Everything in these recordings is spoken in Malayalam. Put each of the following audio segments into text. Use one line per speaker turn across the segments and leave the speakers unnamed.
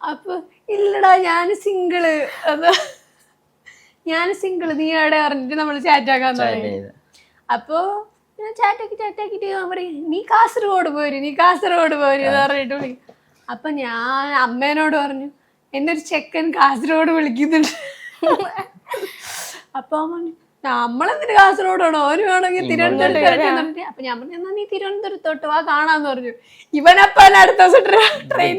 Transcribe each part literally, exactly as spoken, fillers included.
അപ്പൊ ഇല്ലടാ ഞാൻ സിംഗിള് അത് ഞാൻ സിംഗിള് നീ എവിടെ പറഞ്ഞിട്ട് നമ്മള് ചാറ്റാക്കാൻ തുടങ്ങി. അപ്പൊ ഞാൻ ചാറ്റാക്കി ചാറ്റാക്കിട്ട് ഞാൻ പറയും നീ കാസർഗോഡ് പോര് നീ കാസർഗോഡ് പോര് എന്ന് പറഞ്ഞിട്ട് വിളിക്കും. അപ്പൊ ഞാൻ അമ്മേനോട് പറഞ്ഞു എന്നെ ഒരു ചെക്കൻ കാസർഗോഡ് വിളിക്കുന്നുണ്ട്. അപ്പൊ പറഞ്ഞു നമ്മളെന്തിന് കാസർഗോഡാണോ ഓര് വേണമെങ്കിൽ തിരുവനന്തപുരത്ത്. അപ്പൊ ഞാൻ പറഞ്ഞു എന്നാ നീ തിരുവനന്തപുരത്തോട്ട് വാ കാണാന്ന് പറഞ്ഞു. ഇവനപ്പ അടുത്ത ദിവസം ട്രെയിൻ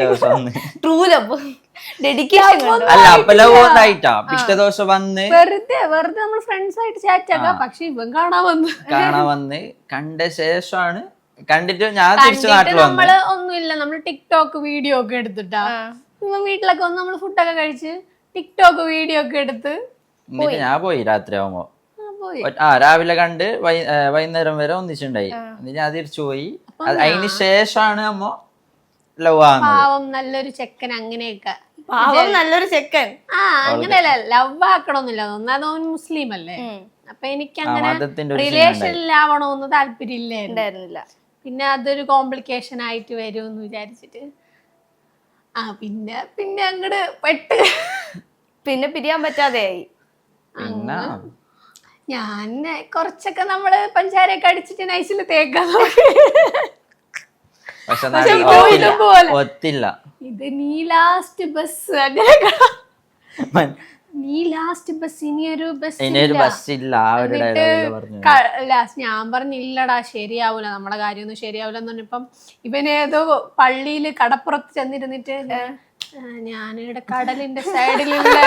വെറുതെ വെറുതെ നമ്മൾ ഫ്രണ്ട്സ് ആയിട്ട് ചാറ്റ് ആക്കാം. പക്ഷെ ഇവൻ കാണാൻ വന്ന്
കാണാൻ വന്ന് കണ്ട ശേഷമാണ് കണ്ടിട്ട് ഞാൻ തിരിച്ചു നാട്ടിൽ
നമ്മള് ഒന്നുമില്ല നമ്മള് ടിക്ടോക്ക് വീഡിയോ ഒക്കെ എടുത്തിട്ടാ ഇവൻ വീട്ടിലൊക്കെ വന്ന് നമ്മള് ഫുഡൊക്കെ കഴിച്ച് ടിക്ടോക്ക് വീഡിയോ ഒക്കെ എടുത്ത്
എന്നിട്ട് ഞാൻ പോയി രാത്രി ആവുമ്പോ ആ രാവിലെ കണ്ട് വൈകുന്നേരം വരെ ഒന്നിച്ചുണ്ടായി. എന്നിട്ട് ഞാൻ തിരിച്ചു പോയി. അതിന് ശേഷമാണ് അമ്മ ലവ് ആവുന്നത്.
പാവം നല്ലൊരു ചെക്കൻ അങ്ങനെയൊക്കെ
പാവം നല്ലൊരു ചെക്കൻ
ആ അങ്ങനെയല്ല ലവ് ആക്കണമെന്നില്ല. ഒന്നാമത് അവൻ മുസ്ലിം അല്ലേ. അപ്പൊ എനിക്ക് അങ്ങനെ റിലേഷനിലാവണമെന്ന് താല്പര്യം ഇല്ലായിരുന്നില്ല. പിന്നെ അതൊരു കോംപ്ലിക്കേഷൻ ആയിട്ട് വരുമെന്ന് വിചാരിച്ചിട്ട് ആ പിന്നെ പിന്നെ അങ്ങട് പെട്ട്
പിന്നെ പിരിയാൻ പറ്റാതെയായി.
പിന്നെ
ഞാൻ കുറച്ചൊക്കെ നമ്മള് പഞ്ചാരയൊക്കെ അടിച്ചിട്ട് നൈസിൽ തേക്കാൻ
ഒത്തില്ല.
ഇത് നീ ലാസ്റ്റ് ബസ് അങ്ങനെ നീ ലാസ്റ്റ് ബസ് ഇനിയൊരു ബസ് ലാസ്റ്റ് ഞാൻ പറഞ്ഞില്ലടാ ശരിയാവൂല നമ്മളെ കാര്യമൊന്നും ശരിയാവൂല എന്ന് പറഞ്ഞപ്പം ഇവനേതോ പള്ളിയില് കടപ്പുറത്ത് ചെന്നിരുന്നിട്ട് ഞാനിവിടെ കടലിന്റെ സൈഡിലുള്ള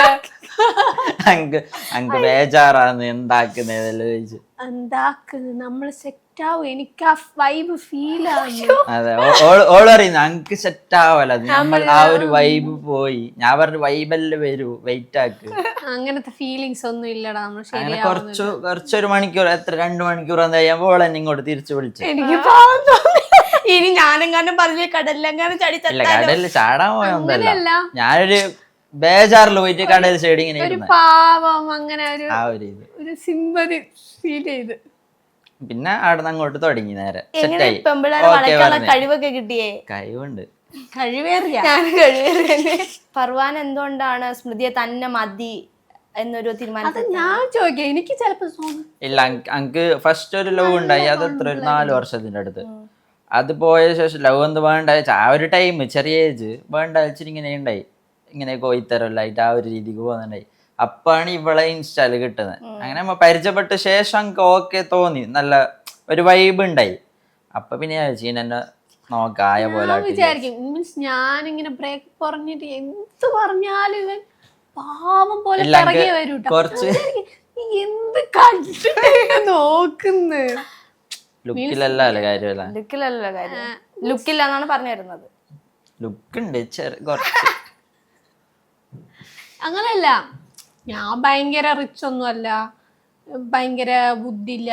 ബേജാറാണ് എന്താക്കുന്നത്
എന്താക്ക് നമ്മള് സെറ്റ് ആവും. എനിക്ക് ആ വൈബ് ഫീൽ ആവുന്നു.
അതെ ഓള് പറയുന്നു അങ്ക് സെറ്റ് ആവല നമ്മൾ ആ ഒരു വൈബ് പോയി. ഞാൻ പറഞ്ഞു വൈബല്ലേ വരൂ വെയിറ്റ് ആക്ക്.
അങ്ങനത്തെ ഫീലിങ്സ് ഒന്നും ഇല്ലടാ നമ്മൾ
അങ്ങനെ കുറച്ചു കുറച്ചൊരു മണിക്കൂർ എത്ര രണ്ടു മണിക്കൂർ എന്താ കഴിയുമ്പോ ഓളെ ഇങ്ങോട്ട് തിരിച്ചു വിളിച്ചു.
എനിക്ക് പാവം തോന്നി.
ഇനി ഞാനെങ്ങാനും പറഞ്ഞു കടലിലെങ്ങാനും ചാടി
കടലിൽ ചാടാൻ പോയൊന്നല്ല ഞാനൊരു ബേജാറിൽ പോയിട്ട് കടൽ സൈഡ് ഇങ്ങനെ
ഒരു പാവം അങ്ങനെ ഒരു
ആ ഒരു ഇത്
ഒരു സിമ്പതി ഫീൽ ചെയ്ത്
പിന്നെ അവിടെ നിന്ന് അങ്ങോട്ട് തുടങ്ങി നേരെ
സെറ്റായി. കഴിവൊക്കെ കിട്ടിയേ
കഴിവുണ്ട്
കഴിവേറിയ
ഫർവാൻ എന്തുകൊണ്ടാണ് സ്മൃതിയെ തന്നെ മതി എന്നൊരു തീരുമാനം
ഞാൻ ചോദിക്കാം. എനിക്ക് ചിലപ്പോ
ഇല്ല അങ്ക് ഫസ്റ്റ് ഒരു ലവ് ഉണ്ടായി അത് എത്ര ഒരു നാല് വർഷത്തിന്റെ അടുത്ത്. അത് പോയ ശേഷം ലവ് എന്ത് വേണ്ട ആ ഒരു ടൈം ചെറിയ ഏജ് വേണ്ട വെച്ചിട്ട് ഇങ്ങനെ ഉണ്ടായി ഇങ്ങനെ കോയിത്തരല്ലായിട്ട് ആ ഒരു രീതിക്ക് പോകുന്നുണ്ടായി. അപ്പാണ് ഇവളെ ഇൻസ്റ്റാല് കിട്ടുന്നത്. അങ്ങനെ നമ്മ പരിചയപ്പെട്ട ശേഷം എനിക്ക് ഓക്കെ തോന്നി നല്ല ഒരു വൈബ് ഉണ്ടായി. അപ്പൊ പിന്നെ എന്നെ നോക്കായ പോലെ
വിചാരിക്കും മീൻസ് ഞാനിങ്ങനെ ബ്രേക്ക് പറഞ്ഞിട്ട് എന്ത് പറഞ്ഞാലും ഇവൻ പാവം പോലെ
കുറച്ച്
എന്ത് കണ്ടിട്ട് നോക്കുന്നു.
ലുക്കിലല്ല കാര്യമല്ല
ലുക്കിലല്ല കാര്യം ലുക്കില്ലാന്നാണ് പറഞ്ഞു വരുന്നത്.
ലുക്ക് ഉണ്ട് കുറച്ച്
അങ്ങനെയല്ല ഞാൻ ഭയങ്കര റിച്ച് ഒന്നും അല്ല ഭയങ്കര ബുദ്ധി ഇല്ല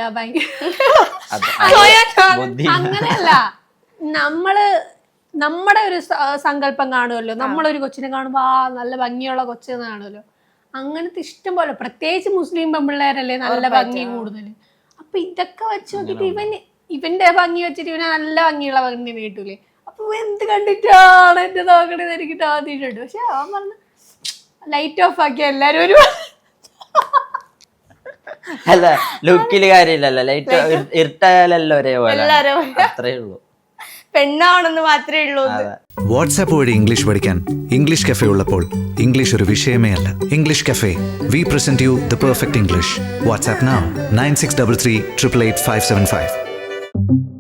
അങ്ങനെയല്ല. നമ്മള് നമ്മുടെ ഒരു സങ്കല്പം കാണുമല്ലോ. നമ്മളൊരു കൊച്ചിനെ കാണുമ്പോ ആ നല്ല ഭംഗിയുള്ള കൊച്ചെന്ന് കാണുമല്ലോ. അങ്ങനത്തെ ഇഷ്ടം പോലെ പ്രത്യേകിച്ച് മുസ്ലിം പെൺപിള്ളേരല്ലേ നല്ല ഭംഗി കൂടുതൽ. അപ്പൊ ഇതൊക്കെ വെച്ച് നോക്കിട്ട് ഇവൻ ഇവന്റെ ഭംഗി വെച്ചിട്ട് ഇവന് നല്ല ഭംഗിയുള്ള ഭംഗി കിട്ടൂലേ. അപ്പൊ എന്ത് കണ്ടിട്ടാണ് എന്റെ നോക്കണേന്ന് എനിക്കിട്ട് ആദ്യമായിട്ടുണ്ട്. പക്ഷെ അവൻ പറഞ്ഞ ലൈറ്റ് ഓഫ് ആക്കിയ എല്ലാരും ഒരു
അല്ല ലുക്കില് കാര്യമില്ലല്ലോ. ലൈറ്റ് ഇരുട്ടായാലല്ലോ ഒരേപോലെ അത്രേ ഉള്ളൂ.
പെണ്ണാണെന്ന് മാത്രമേ ഉള്ളൂ.
വാട്സാപ്പ് വഴി ഇംഗ്ലീഷ് പഠിക്കാൻ ഇംഗ്ലീഷ് കഫേ ഉള്ളപ്പോൾ ഇംഗ്ലീഷ് ഒരു വിഷയമേ അല്ല. English cafe we present you the perfect English. WhatsApp now nine six double three triple eight five seven five.